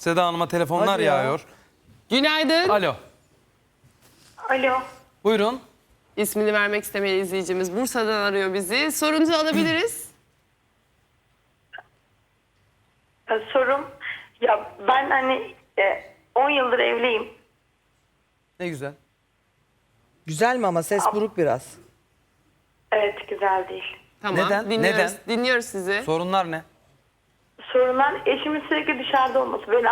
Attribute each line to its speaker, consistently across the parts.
Speaker 1: Seda Hanım'a telefonlar
Speaker 2: Hadi ya.
Speaker 1: yağıyor.
Speaker 3: Günaydın.
Speaker 1: Alo.
Speaker 4: Alo.
Speaker 1: Buyurun.
Speaker 3: İsmini vermek istemeyen izleyicimiz Bursa'dan arıyor bizi. Sorunuzu alabiliriz.
Speaker 4: Sorum, ya ben hani 10 yıldır evliyim.
Speaker 1: Ne güzel.
Speaker 2: Güzel mi ama ses buruk biraz.
Speaker 4: Evet, güzel değil.
Speaker 3: Tamam.
Speaker 1: Neden?
Speaker 3: Dinliyoruz,
Speaker 1: Neden?
Speaker 3: dinliyoruz sizi.
Speaker 1: Sorunlar ne?
Speaker 4: Sorunlar eşimin sürekli dışarıda olması. Beni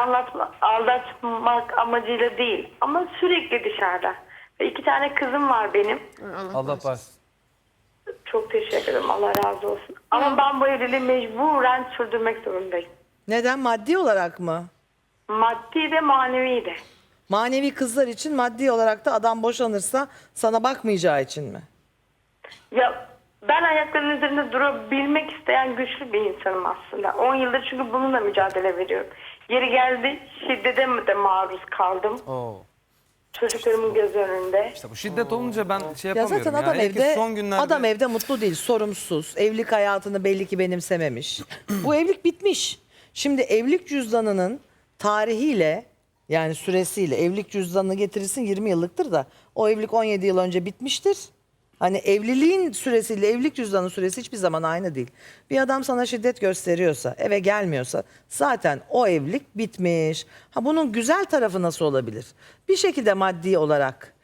Speaker 4: aldatmak amacıyla değil ama sürekli dışarıda. Ve 2 tane kızım var benim.
Speaker 1: Allah bağışlasın.
Speaker 4: Çok teşekkür ederim, Allah razı olsun. Ama ben bu evliliği mecburen sürdürmek zorundayım.
Speaker 2: Neden? Maddi olarak mı?
Speaker 4: Maddi de manevi de.
Speaker 2: Manevi kızlar için, maddi olarak da adam boşanırsa sana bakmayacağı için mi?
Speaker 4: Ya ben ayaklarının üzerinde durabilmek isteyen güçlü bir insanım aslında. 10 yıldır çünkü bununla mücadele veriyorum. Yeri geldi şiddete de maruz kaldım.
Speaker 1: Oo.
Speaker 4: Çocuklarımın göz önünde.
Speaker 1: İşte bu şiddet olunca ben şey
Speaker 2: Ya
Speaker 1: yapamıyorum.
Speaker 2: zaten adam
Speaker 1: Hele ki
Speaker 2: evde
Speaker 1: son günlerde...
Speaker 2: adam evde mutlu değil, sorumsuz. Evlilik hayatını belli ki benimsememiş. Bu evlilik bitmiş. Şimdi evlilik cüzdanının tarihiyle, yani süresiyle, evlilik cüzdanını getirirsin 20 yıllıktır da o evlilik 17 yıl önce bitmiştir. Hani evliliğin süresiyle evlilik cüzdanının süresi hiçbir zaman aynı değil. Bir adam sana şiddet gösteriyorsa, eve gelmiyorsa zaten o evlilik bitmiş. Ha, bunun güzel tarafı nasıl olabilir? Bir şekilde maddi olarak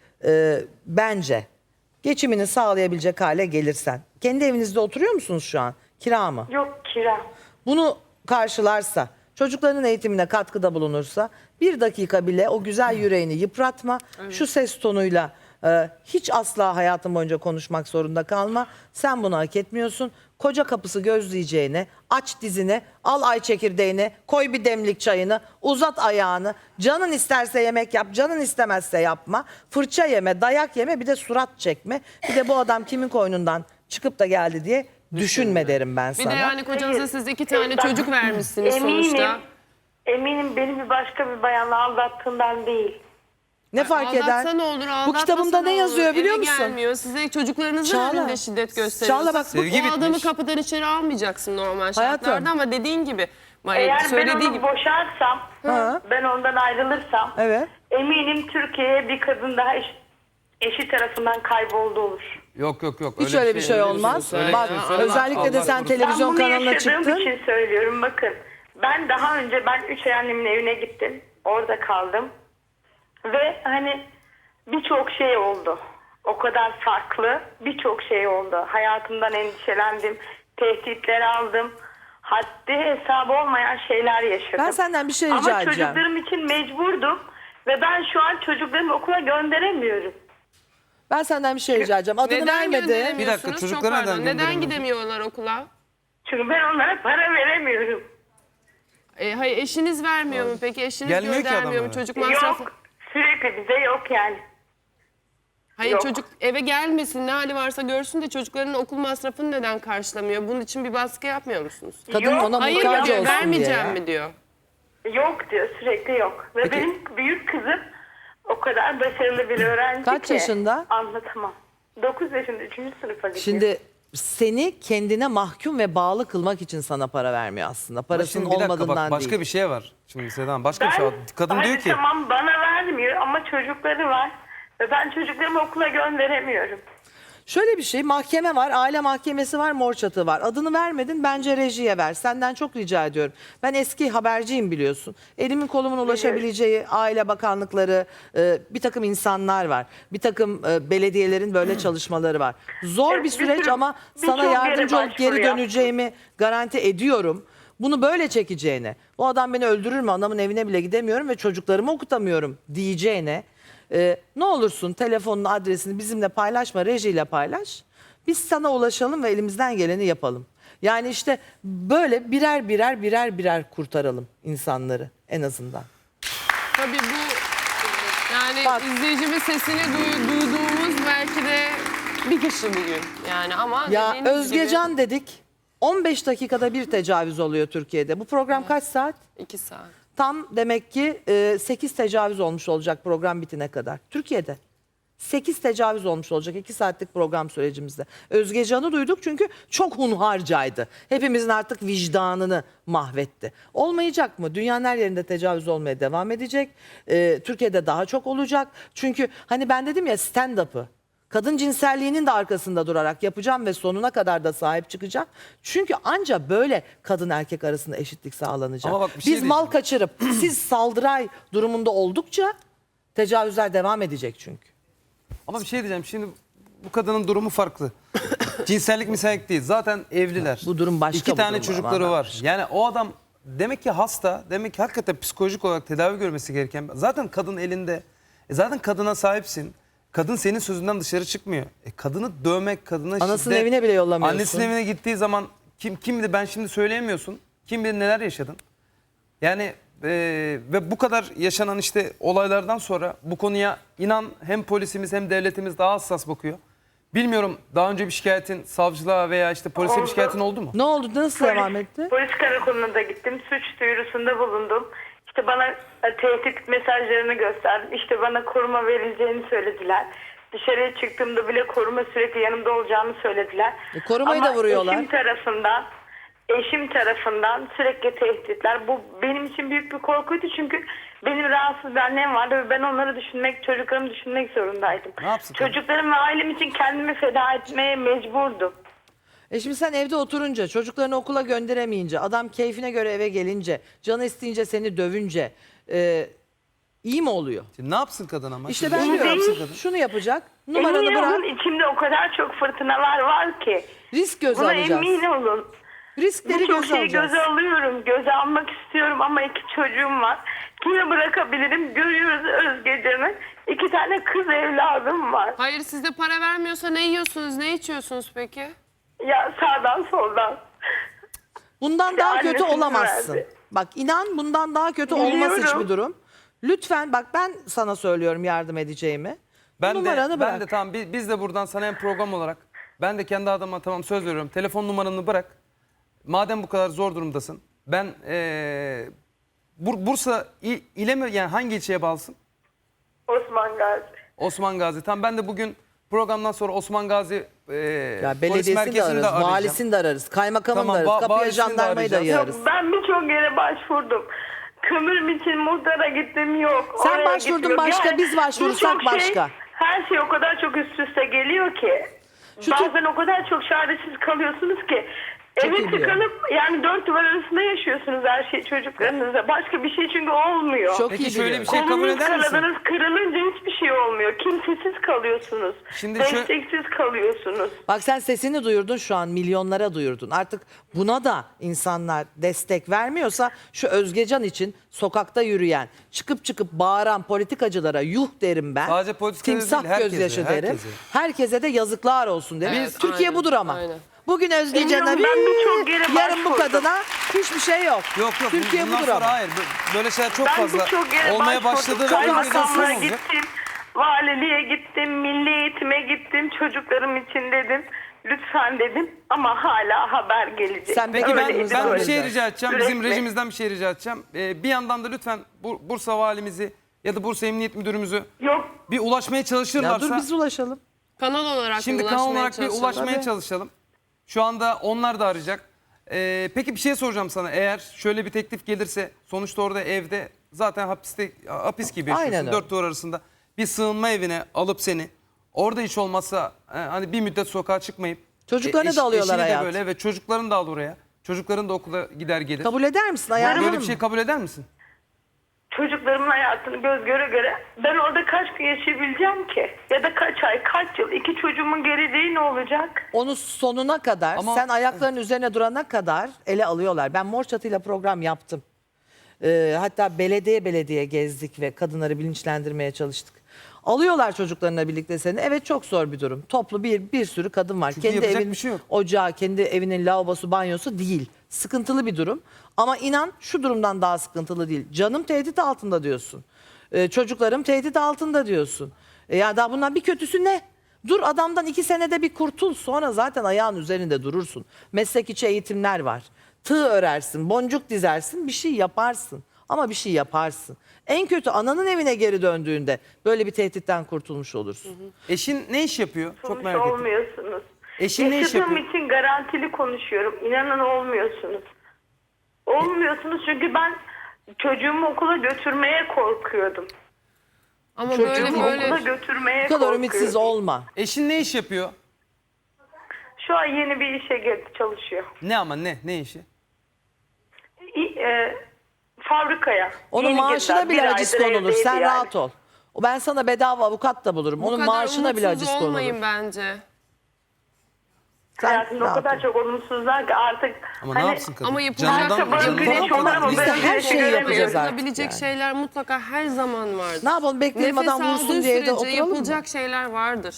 Speaker 2: bence geçimini sağlayabilecek hale gelirsen. Kendi evinizde oturuyor musunuz şu an? Kira mı?
Speaker 4: Yok, kira.
Speaker 2: Bunu karşılarsa, çocuklarının eğitimine katkıda bulunursa, bir dakika bile o güzel yüreğini yıpratma. Şu ses tonuyla hiç asla hayatın boyunca konuşmak zorunda kalma. Sen bunu hak etmiyorsun. Koca kapısı gözleyeceğine, aç dizini, al ay çekirdeğini, koy bir demlik çayını, uzat ayağını. Canın isterse yemek yap, canın istemezse yapma. Fırça yeme, dayak yeme, bir de surat çekme. Bir de bu adam kimin koynundan çıkıp da geldi diye düşünme derim ben
Speaker 3: Bir
Speaker 2: sana.
Speaker 3: de yani kocanıza
Speaker 4: Hayır.
Speaker 3: siz 2 tane
Speaker 4: Ben
Speaker 3: çocuk vermişsiniz sonuçta.
Speaker 4: Eminim beni bir başka bir bayanla aldattığından değil.
Speaker 2: Ne fark eder?
Speaker 3: Aldatsa ne olur,
Speaker 2: Bu
Speaker 3: aldatmasa
Speaker 2: kitabımda ne
Speaker 3: olur?
Speaker 2: yazıyor biliyor
Speaker 3: Eve
Speaker 2: musun?
Speaker 3: gelmiyor. Size çocuklarınızın
Speaker 2: Çağla.
Speaker 3: önünde şiddet gösteriyor.
Speaker 2: Çağla bak, bu-
Speaker 1: Sevgi
Speaker 3: o adamı
Speaker 1: bitmiş.
Speaker 3: kapıdan içeri almayacaksın normal
Speaker 2: Hayatım.
Speaker 3: şartlarda ama dediğin gibi.
Speaker 4: Eğer ben
Speaker 3: söylediği
Speaker 4: onu
Speaker 3: gibi.
Speaker 4: boşarsam,
Speaker 2: Ha.
Speaker 4: ben ondan ayrılırsam,
Speaker 2: Evet.
Speaker 4: eminim Türkiye'ye bir kadın daha eşi tarafından kayboldu olur.
Speaker 1: Yok.
Speaker 2: Hiç öyle bir şey olmaz.
Speaker 1: Öyle bir
Speaker 2: Bak,
Speaker 1: şey söyleme.
Speaker 2: özellikle de
Speaker 1: Allah
Speaker 2: sen
Speaker 1: korusun.
Speaker 2: televizyon
Speaker 4: Ben bunu
Speaker 2: kanalına
Speaker 4: yaşadığım
Speaker 2: çıktın.
Speaker 4: için söylüyorum, bakın. Ben daha önce 3 ay annemin evine gittim. Orada kaldım. Ve hani birçok şey oldu. O kadar farklı birçok şey oldu. Hayatımdan endişelendim. Tehditler aldım. Haddi hesabı olmayan şeyler yaşadım.
Speaker 2: Ben senden bir şey rica
Speaker 4: Ama
Speaker 2: edeceğim.
Speaker 4: çocuklarım için mecburdum. Ve ben şu an çocuklarımı okula gönderemiyorum.
Speaker 2: Ben senden bir şey rica edeceğim. Adını
Speaker 3: Neden
Speaker 2: vermedi.
Speaker 3: gönderemiyorsunuz?
Speaker 1: Bir dakika,
Speaker 3: Çok
Speaker 1: çocuklara
Speaker 3: pardon.
Speaker 1: neden
Speaker 3: Neden
Speaker 1: gönderemiyorsun?
Speaker 3: gidemiyorlar okula?
Speaker 4: Çünkü ben onlara para veremiyorum.
Speaker 3: Hayır, eşiniz vermiyor mu peki? Eşiniz
Speaker 1: Gelmiyor ki
Speaker 3: göndermiyor mu?
Speaker 1: adam eve.
Speaker 3: Çocuk masrafı.
Speaker 4: Yok. Sürekli bize yok yani.
Speaker 3: Hayır,
Speaker 4: Yok.
Speaker 3: çocuk eve gelmesin, ne hali varsa görsün de çocuklarının okul masrafını neden karşılamıyor? Bunun için bir baskı yapmıyor musunuz?
Speaker 2: Kadın
Speaker 4: Yok.
Speaker 2: ona
Speaker 3: Hayır
Speaker 2: muhtaç
Speaker 3: diyor,
Speaker 2: olsun diye.
Speaker 3: vermeyeceğim
Speaker 2: ya.
Speaker 3: mi diyor.
Speaker 4: Yok diyor, sürekli yok. Ve
Speaker 2: Peki-
Speaker 4: benim büyük kızım o kadar başarılı bir öğrenci
Speaker 2: Kaç
Speaker 4: ki.
Speaker 2: yaşında?
Speaker 4: Anlatamam. 9 yaşında 3. sınıfa gidiyor.
Speaker 2: Şimdi seni kendine mahkum ve bağlı kılmak için sana para vermiyor aslında.
Speaker 1: Ama
Speaker 2: Parasının
Speaker 1: şimdi bir dakika
Speaker 2: olmadığından
Speaker 1: bak, başka
Speaker 2: değil.
Speaker 1: bir şey var. Şimdi Seda Hanım, başka bir şey var. Kadın
Speaker 4: hadi
Speaker 1: diyor ki
Speaker 4: tamam bana vermiyor ama çocukları var. Ve ben çocuklarımı okula gönderemiyorum.
Speaker 2: Şöyle bir şey, mahkeme var, aile mahkemesi var, mor çatı var. Adını vermedin, bence rejiye ver. Senden çok rica ediyorum. Ben eski haberciyim biliyorsun. Elimin kolumun ulaşabileceği aile bakanlıkları, bir takım insanlar var. Bir takım belediyelerin böyle çalışmaları var. Zor
Speaker 4: Evet,
Speaker 2: bir süreç
Speaker 4: sürü-
Speaker 2: ama
Speaker 4: birçok
Speaker 2: sana
Speaker 4: yere
Speaker 2: yardımcı olup
Speaker 4: başvuru
Speaker 2: geri
Speaker 4: yaptım.
Speaker 2: döneceğimi garanti ediyorum. Bunu böyle çekeceğine, o adam beni öldürür mü, anamın evine bile gidemiyorum ve çocuklarımı okutamıyorum diyeceğine, ne olursun telefonunu, adresini bizimle paylaşma, rejiyle paylaş. Biz sana ulaşalım ve elimizden geleni yapalım. Yani işte böyle birer kurtaralım insanları en azından.
Speaker 3: Tabii bu yani
Speaker 2: Bak.
Speaker 3: izleyicimiz sesini duyduğumuz belki de bir kişi bugün. Yani ama
Speaker 2: Ya
Speaker 3: dediğiniz
Speaker 2: Özgecan dedik, 15 dakikada bir tecavüz oluyor Türkiye'de. Bu program kaç saat?
Speaker 3: gibi 2 saat.
Speaker 2: Tam demek ki 8 tecavüz olmuş olacak program bitene kadar. Türkiye'de. 8 tecavüz olmuş olacak 2 saatlik program sürecimizde. Özge Can'ı duyduk çünkü çok hunharcaydı. Hepimizin artık vicdanını mahvetti. Olmayacak mı? Dünyanın her yerinde tecavüz olmaya devam edecek. Türkiye'de daha çok olacak. Çünkü hani ben dedim ya stand-up'ı. Kadın cinselliğinin de arkasında durarak yapacağım ve sonuna kadar da sahip çıkacağım. Çünkü anca böyle kadın erkek arasında eşitlik sağlanacak.
Speaker 1: Ama bak bir şey
Speaker 2: Biz mal
Speaker 1: diyeceğim.
Speaker 2: kaçırıp siz saldıray durumunda oldukça tecavüzler devam edecek çünkü.
Speaker 1: Ama bir şey diyeceğim. Şimdi bu kadının durumu farklı. Cinsellik misellik değil. Zaten evliler.
Speaker 2: Bu durum başka,
Speaker 1: 2
Speaker 2: bu
Speaker 1: tane
Speaker 2: durum
Speaker 1: çocukları
Speaker 2: var.
Speaker 1: var. Yani o adam demek ki hasta. Demek ki hakikaten psikolojik olarak tedavi görmesi gereken. Zaten kadın elinde. Zaten kadına sahipsin. Kadın senin sözünden dışarı çıkmıyor. Kadını dövmek, kadına
Speaker 2: Anasının
Speaker 1: şiddet.
Speaker 2: evine bile yollamıyorsun.
Speaker 1: Annesinin evine gittiği zaman kim bilir ben şimdi söyleyemiyorsun. Kim bilir neler yaşadın. Yani ve bu kadar yaşanan işte olaylardan sonra bu konuya inan hem polisimiz hem devletimiz daha hassas bakıyor. Bilmiyorum daha önce bir şikayetin savcılığa veya işte polise bir
Speaker 4: Oldu.
Speaker 1: şikayetin oldu mu?
Speaker 2: Ne oldu? Nasıl devam etti?
Speaker 4: Polis karakoluna da gittim. Suç duyurusunda bulundum. İşte bana tehdit mesajlarını gösterdim. İşte bana koruma verileceğini söylediler. Dışarıya çıktığımda bile koruma sürekli yanımda olacağını söylediler.
Speaker 2: Korumayı da vuruyorlar.
Speaker 4: Eşim tarafından sürekli tehditler. Bu benim için büyük bir korkuydu çünkü benim rahatsız bir annem vardı ve ben onları düşünmek, çocuklarımı düşünmek zorundaydım.
Speaker 1: Ne yapsın tabii?
Speaker 4: Çocuklarım ve ailem için kendimi feda etmeye mecburdum.
Speaker 2: Şimdi sen evde oturunca, çocuklarını okula gönderemeyince, adam keyfine göre eve gelince, canı isteyince seni dövünce iyi mi oluyor?
Speaker 1: Şimdi ne yapsın kadın ama?
Speaker 2: İşte
Speaker 1: Şimdi
Speaker 2: ben
Speaker 1: ne
Speaker 2: diyorum
Speaker 1: yapsın kadın?
Speaker 2: şunu yapacak, numaranı
Speaker 4: Emin
Speaker 2: bırak,
Speaker 4: olun içimde o kadar çok fırtınalar var ki.
Speaker 2: risk göze
Speaker 4: Buna
Speaker 2: alacağız.
Speaker 4: emin olun.
Speaker 2: Riskleri
Speaker 4: Birçok
Speaker 2: göze
Speaker 4: şeyi
Speaker 2: alacağız.
Speaker 4: göze alıyorum. Göze almak istiyorum ama 2 çocuğum var. Kime bırakabilirim? Görüyoruz Özgecan'ı. 2 tane kız evladım var.
Speaker 3: Hayır, size para vermiyorsa ne yiyorsunuz, ne içiyorsunuz peki?
Speaker 4: Ya sağdan soldan.
Speaker 2: Bundan
Speaker 4: İşte
Speaker 2: daha kötü
Speaker 4: annesinin
Speaker 2: olamazsın.
Speaker 4: verdi.
Speaker 2: Bak inan bundan daha kötü
Speaker 4: Biliyorum.
Speaker 2: olmaz hiçbir durum. Lütfen bak ben sana söylüyorum yardım edeceğimi. Numaranı bırak.
Speaker 1: Ben de tamam biz de buradan sana hem program olarak ben de kendi adıma tamam söz veriyorum. Telefon numaranı bırak. Madem bu kadar zor durumdasın. Ben Bursa ile mi yani hangi ilçeye bağlısın?
Speaker 4: Osman Gazi.
Speaker 1: Osman Gazi. Tamam ben de bugün programdan sonra Osman Gazi
Speaker 2: Ya
Speaker 1: polis
Speaker 2: belediyesini de
Speaker 1: merkezini
Speaker 2: ararız,
Speaker 1: de arayacağım.
Speaker 2: valisini de ararız, kaymakamını
Speaker 1: Tamam,
Speaker 2: da ararız, kapıya
Speaker 1: valisini de
Speaker 2: jandarmayı da
Speaker 1: arayacağız.
Speaker 2: yararız.
Speaker 4: Ben birçok yere başvurdum. Kömür için muhtara gittim yok.
Speaker 2: Sen
Speaker 4: oraya
Speaker 2: başvurdun
Speaker 4: gittim, yok.
Speaker 2: başka, biz başvurursak
Speaker 4: birçok
Speaker 2: başka.
Speaker 4: Her şey o kadar çok üst üste geliyor ki.
Speaker 2: Şu
Speaker 4: Bazen o kadar çok çaresiz kalıyorsunuz ki.
Speaker 2: Çok iyi
Speaker 4: Eve
Speaker 2: biliyorum.
Speaker 4: tıkanıp yani 4 duvar arasında yaşıyorsunuz her şey çocuklarınızla. Başka bir şey çünkü olmuyor.
Speaker 2: Çok
Speaker 1: Peki
Speaker 2: iyi
Speaker 1: şöyle
Speaker 2: biliyorum.
Speaker 1: bir şey kabul
Speaker 4: Kolunuz
Speaker 1: eder misin?
Speaker 4: kanadınız kırılınca hiçbir şey olmuyor. Kimsesiz kalıyorsunuz.
Speaker 1: Şimdi
Speaker 4: Desteksiz kalıyorsunuz.
Speaker 2: Bak sen sesini duyurdun şu an milyonlara duyurdun. Artık buna da insanlar destek vermiyorsa şu Özgecan için sokakta yürüyen, çıkıp bağıran politikacılara yuh derim ben.
Speaker 1: Sadece politikacılara
Speaker 2: Timsah
Speaker 1: değil, herkese,
Speaker 2: gözyaşı derim.
Speaker 1: herkese.
Speaker 2: Herkese de yazıklar olsun derim.
Speaker 3: Evet,
Speaker 2: Türkiye
Speaker 3: aynen,
Speaker 2: budur ama.
Speaker 3: aynen.
Speaker 2: Bugün Özgecan'a
Speaker 4: Eminim ben birçok yere
Speaker 2: yarın bu
Speaker 4: başvurdum.
Speaker 2: kadına hiçbir şey yok.
Speaker 1: Yok
Speaker 2: Türkiye
Speaker 1: bundan
Speaker 2: budur
Speaker 1: sonra
Speaker 2: ama.
Speaker 1: hayır. Böyle şeyler çok
Speaker 4: Ben
Speaker 1: fazla
Speaker 4: birçok yere
Speaker 1: olmaya
Speaker 4: başvurdum.
Speaker 1: başladı. ve önümüzden
Speaker 4: Kaymakamlığa
Speaker 1: sorun olacak.
Speaker 4: gittim. Valiliğe gittim. Milli eğitime gittim. Çocuklarım için dedim. Lütfen dedim. Ama hala haber gelecek.
Speaker 2: Sen
Speaker 1: Peki
Speaker 2: Öyle
Speaker 1: ben
Speaker 2: edin,
Speaker 1: bir
Speaker 2: öyle
Speaker 1: şey
Speaker 2: edin.
Speaker 1: rica edeceğim. Bizim
Speaker 4: Sürekli.
Speaker 1: rejimizden bir şey rica edeceğim. Bir yandan da lütfen Bursa valimizi ya da Bursa Emniyet Müdürümüzü
Speaker 4: Yok.
Speaker 1: bir ulaşmaya
Speaker 2: Ya
Speaker 1: çalışırlarsa.
Speaker 2: dur biz ulaşalım.
Speaker 3: Kanal olarak
Speaker 1: Şimdi
Speaker 3: ulaşmaya
Speaker 1: kanal olarak bir
Speaker 3: çalışalım.
Speaker 1: ulaşmaya
Speaker 2: Tabii.
Speaker 1: çalışalım. Şu anda onlar da arayacak. Peki bir şey soracağım sana. Eğer şöyle bir teklif gelirse sonuçta orada evde zaten hapis gibi
Speaker 2: Aynen
Speaker 1: yaşıyorsun.
Speaker 2: öyle.
Speaker 1: 4 duvar arasında bir sığınma evine alıp seni orada hiç olmazsa hani bir müddet sokağa çıkmayıp
Speaker 2: Çocuklarını da alıyorlar
Speaker 1: eşini de
Speaker 2: hayat.
Speaker 1: böyle ve çocuklarını da al oraya. Çocukların da okula gider gelir.
Speaker 2: Kabul eder misin? Ayarlanır
Speaker 1: Böyle bir
Speaker 2: mı?
Speaker 1: şey kabul eder misin?
Speaker 4: Çocuklarımın hayatını göz göre göre ben orada kaç gün yaşayabileceğim ki? Ya da kaç ay, kaç yıl? 2 çocuğumun geleceği ne olacak?
Speaker 2: Onu sonuna kadar,
Speaker 1: Ama-
Speaker 2: sen ayaklarının üzerine durana kadar ele alıyorlar. Ben Mor Çatı'yla program yaptım. Hatta belediye gezdik ve kadınları bilinçlendirmeye çalıştık. Alıyorlar çocuklarına birlikte seni. Evet çok zor bir durum. Toplu bir sürü kadın var.
Speaker 1: Çünkü yapacak bir şey yok.
Speaker 2: Ocağı, kendi evinin lavabosu, banyosu değil. Sıkıntılı bir durum. Ama inan şu durumdan daha sıkıntılı değil. Canım tehdit altında diyorsun. Çocuklarım tehdit altında diyorsun. Ya daha bundan bir kötüsü ne? Dur adamdan 2 senede bir kurtul. Sonra zaten ayağın üzerinde durursun. Meslek içi eğitimler var. Tığ örersin, boncuk dizersin, bir şey yaparsın. Ama bir şey yaparsın. En kötü ananın evine geri döndüğünde böyle bir tehditten kurtulmuş olursun.
Speaker 1: Eşin ne iş yapıyor? Çok
Speaker 4: Sonuç
Speaker 1: merak ettim.
Speaker 4: olmuyorsunuz.
Speaker 1: Eşin ne iş
Speaker 4: Yaşadığım
Speaker 1: yapıyor?
Speaker 4: için garantili konuşuyorum. İnanın olmuyorsunuz. Olmuyorsunuz çünkü ben çocuğumu okula götürmeye korkuyordum.
Speaker 3: Ama
Speaker 4: Çocuğumu
Speaker 3: böyle
Speaker 4: okula götürmeye
Speaker 2: Bu kadar
Speaker 4: korkuyordum.
Speaker 2: ümitsiz olma.
Speaker 1: Eşin ne iş yapıyor?
Speaker 4: Şu an yeni bir işe girdi, çalışıyor.
Speaker 1: Ne ama ne? Ne işi?
Speaker 4: Fabrikaya.
Speaker 2: Onun
Speaker 4: Yeni
Speaker 2: maaşına
Speaker 4: girdiler.
Speaker 2: bile
Speaker 4: Bir
Speaker 2: haciz
Speaker 4: aydır
Speaker 2: konulur.
Speaker 4: evdeydi
Speaker 2: Sen
Speaker 4: yani.
Speaker 2: rahat ol. Ben sana bedava avukat da bulurum.
Speaker 3: bu
Speaker 2: Onun
Speaker 3: kadar
Speaker 2: maaşına bile
Speaker 3: umutsuz
Speaker 2: haciz
Speaker 3: olmayın
Speaker 2: konulur.
Speaker 3: bence.
Speaker 2: Sen
Speaker 4: Hayatımda o
Speaker 2: rahat
Speaker 4: kadar
Speaker 2: ol.
Speaker 4: çok olumsuzlar ki artık
Speaker 1: Ama ne yapsın kadın?
Speaker 3: Ama yapılacak
Speaker 4: Canından-
Speaker 3: canından
Speaker 4: güneş olur ama
Speaker 2: Biz de
Speaker 4: ben
Speaker 2: her
Speaker 4: güneşi
Speaker 2: şeyi
Speaker 4: göremiyorum.
Speaker 2: yapacağız artık.
Speaker 3: Yapılabilecek
Speaker 2: yani.
Speaker 3: şeyler mutlaka her zaman vardır.
Speaker 2: Ne yapalım, bekleyelim
Speaker 3: Nefes
Speaker 2: adam vursun
Speaker 3: aldığı
Speaker 2: diye evde
Speaker 3: sürece
Speaker 2: oturalım mı?
Speaker 3: yapılacak şeyler vardır.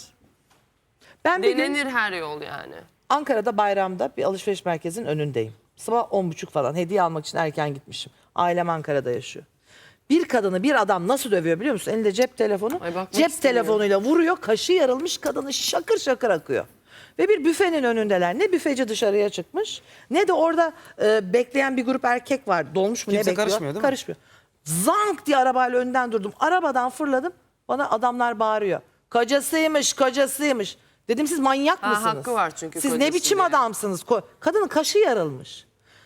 Speaker 2: Ben bir gün
Speaker 3: Denenir her yol yani.
Speaker 2: Ankara'da bayramda bir alışveriş merkezinin önündeyim. Sabah 10.30 falan hediye almak için erken gitmişim. Ailem Ankara'da yaşıyor. Bir kadını bir adam nasıl dövüyor biliyor musun? Elinde cep telefonu.
Speaker 3: Ay, bakmak
Speaker 2: Cep
Speaker 3: istemiyorum.
Speaker 2: telefonuyla vuruyor. Kaşı yarılmış, kadını şakır şakır akıyor. Ve bir büfenin önündeler. Ne büfeci dışarıya çıkmış ne de orada bekleyen bir grup erkek var. Dolmuş mu
Speaker 1: Kimse
Speaker 2: ne bekliyor?
Speaker 1: karışmıyor değil mi?
Speaker 2: Karışmıyor. Zank diye arabayla önden durdum. Arabadan fırladım. Bana adamlar bağırıyor. Kocasıymış, kocasıymış. Dedim siz manyak
Speaker 3: Ha,
Speaker 2: mısınız?
Speaker 3: hakkı var çünkü
Speaker 2: Siz ne
Speaker 3: kocası
Speaker 2: biçim
Speaker 3: diye.
Speaker 2: adamsınız? Kadının kaşı yarılmış.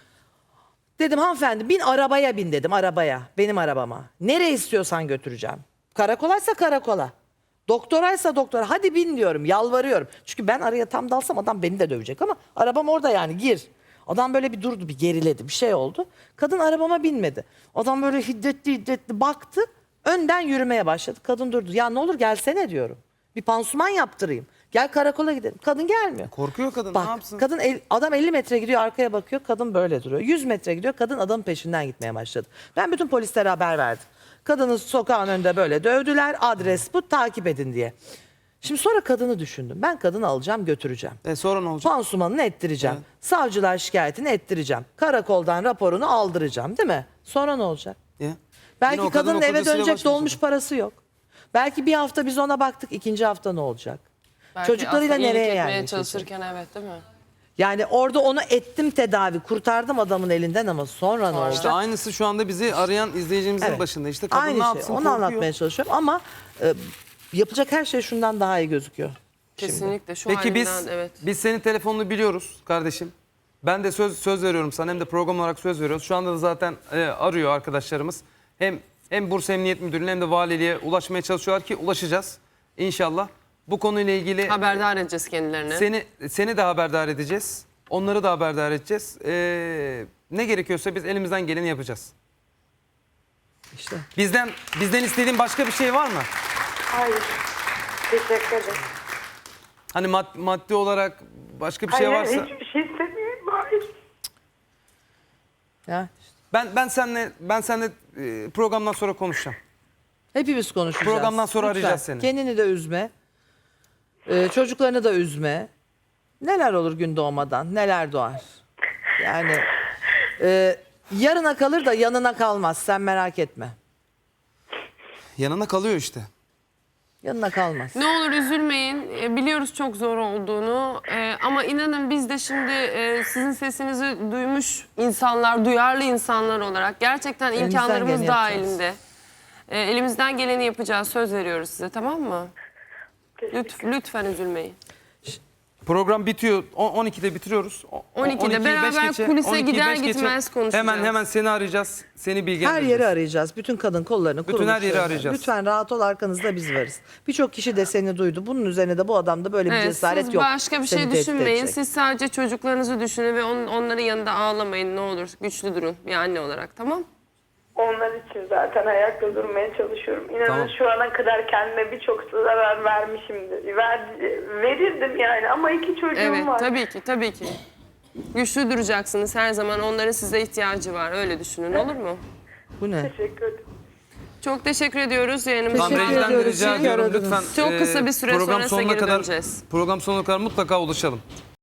Speaker 2: Dedim hanımefendi bin arabaya bin dedim, arabaya. Benim arabama. Nereye istiyorsan götüreceğim. Karakolaysa karakola. Doktoraysa doktora. Hadi bin diyorum, yalvarıyorum. Çünkü ben araya tam dalsam adam beni de dövecek ama arabam orada yani, gir. Adam böyle bir durdu, bir geriledi, bir şey oldu. Kadın arabama binmedi. Adam böyle hiddetli baktı. Önden yürümeye başladı. Kadın durdu. Ya ne olur gelsene diyorum. Bir pansuman yaptırayım. Gel karakola gidelim. Kadın gelmiyor.
Speaker 1: Korkuyor kadın,
Speaker 2: Bak,
Speaker 1: ne yapsın?
Speaker 2: kadın adam 50 metre gidiyor, arkaya bakıyor, kadın böyle duruyor. 100 metre gidiyor, kadın adamın peşinden gitmeye başladı. Ben bütün polislere haber verdim. Kadını sokağın önünde böyle dövdüler, adres bu, takip edin diye. Şimdi sonra kadını düşündüm. Ben kadını alacağım, götüreceğim.
Speaker 1: Sonra ne olacak?
Speaker 2: Pansumanını ettireceğim. Savcılar şikayetini ettireceğim. Karakoldan raporunu aldıracağım, değil mi? Sonra ne olacak?
Speaker 1: Ya. Yine
Speaker 2: Belki
Speaker 1: o kadın
Speaker 2: kadının
Speaker 1: o
Speaker 2: eve
Speaker 1: kocasıyla
Speaker 2: dönecek,
Speaker 1: baş başa.
Speaker 2: dolmuş parası yok. Belki bir hafta biz ona baktık, ikinci hafta ne olacak?
Speaker 3: Belki
Speaker 2: Çocuklarıyla
Speaker 3: aslında iyilik
Speaker 2: nereye
Speaker 3: etmeye
Speaker 2: yerleşecek?
Speaker 3: çalışırken evet değil mi?
Speaker 2: Yani orada onu ettim tedavi, kurtardım adamın elinden ama sonra ne olacak?
Speaker 1: İşte aynısı şu anda bizi arayan izleyicimizin
Speaker 2: Evet.
Speaker 1: başında. İşte kadın
Speaker 2: Aynı
Speaker 1: ne
Speaker 2: şey.
Speaker 1: yapsın?
Speaker 2: Onu
Speaker 1: Korkuyor.
Speaker 2: anlatmaya çalışıyorum ama yapacak her şey şundan daha iyi gözüküyor.
Speaker 3: Kesinlikle şu
Speaker 1: Peki biz
Speaker 3: halinden evet.
Speaker 1: biz senin telefonunu biliyoruz kardeşim. Ben de söz veriyorum sana, hem de program olarak söz veriyoruz. Şu anda da zaten arıyor arkadaşlarımız. Hem Bursa Emniyet Müdürlüğü'ne hem de valiliğe ulaşmaya çalışıyorlar ki ulaşacağız inşallah. Bu konuyla ilgili
Speaker 3: Haberdar edeceğiz kendilerini.
Speaker 1: seni de haberdar edeceğiz. Onları da haberdar edeceğiz. Ne gerekiyorsa biz elimizden geleni yapacağız.
Speaker 2: İşte.
Speaker 1: Bizden istediğin başka bir şey var mı?
Speaker 4: Hayır. Teşekkür ederim.
Speaker 1: Hani maddi olarak başka bir şey
Speaker 4: Hayır,
Speaker 1: varsa.
Speaker 4: hiçbir şey istemiyorum. Hayır.
Speaker 2: Ya, işte.
Speaker 1: Ben seninle programdan sonra konuşacağım.
Speaker 2: Hepimiz konuşacağız.
Speaker 1: Programdan sonra arayacağız seni.
Speaker 2: Kendini de üzme. Çocuklarını da üzme. Neler olur gün doğmadan, neler doğar. Yani yarına kalır da yanına kalmaz, sen merak etme.
Speaker 1: Yanına kalıyor işte.
Speaker 2: Yanına kalmaz.
Speaker 3: Ne olur üzülmeyin. Biliyoruz çok zor olduğunu. Ama inanın biz de şimdi sizin sesinizi duymuş insanlar, duyarlı insanlar olarak gerçekten
Speaker 2: Elimizden
Speaker 3: imkanlarımız
Speaker 2: geleni yapacağız.
Speaker 3: dahilinde. Elimizden geleni yapacağız. Söz veriyoruz size, tamam mı? Lütfen üzülmeyin.
Speaker 1: Program bitiyor. 12'de bitiriyoruz.
Speaker 3: 12'de beraber kulise gider gitmez konuşacağız.
Speaker 1: Hemen seni arayacağız. Seni
Speaker 2: Her
Speaker 1: bilgilendireceğiz.
Speaker 2: yeri arayacağız. Bütün kadın kollarını,
Speaker 1: Bütün her yeri
Speaker 2: kuruluşlarını.
Speaker 1: arayacağız.
Speaker 2: Lütfen rahat ol, arkanızda biz varız. Birçok kişi de seni duydu. Bunun üzerine de bu adamda böyle bir
Speaker 3: Evet,
Speaker 2: cesaret
Speaker 3: siz
Speaker 2: yok.
Speaker 3: başka bir
Speaker 2: Seni
Speaker 3: şey
Speaker 2: tehdit
Speaker 3: düşünmeyin.
Speaker 2: edecek.
Speaker 3: Siz sadece çocuklarınızı düşünün ve onların yanında ağlamayın ne olur. Güçlü durun bir anne olarak, tamam?
Speaker 4: Onlar için zaten ayakta durmaya çalışıyorum. İnanın
Speaker 1: Tamam.
Speaker 4: şu ana kadar kendime birçok zarar vermişimdir. Verirdim yani ama 2 çocuğum
Speaker 3: Evet,
Speaker 4: var.
Speaker 3: tabii ki. Güçlü duracaksınız her zaman. Onların size ihtiyacı var. Öyle düşünün, olur mu?
Speaker 2: Bu ne?
Speaker 4: Teşekkür ederim.
Speaker 3: Çok teşekkür ediyoruz yayınımıza.
Speaker 2: Teşekkür
Speaker 1: Rejiden de
Speaker 2: ediyoruz.
Speaker 1: rica
Speaker 2: İyi
Speaker 1: ediyorum
Speaker 2: aradınız.
Speaker 1: lütfen.
Speaker 3: Çok kısa bir süre
Speaker 1: program
Speaker 3: sonrasında
Speaker 1: sonuna
Speaker 3: geri
Speaker 1: kadar,
Speaker 3: döneceğiz.
Speaker 1: Program sonuna kadar mutlaka ulaşalım.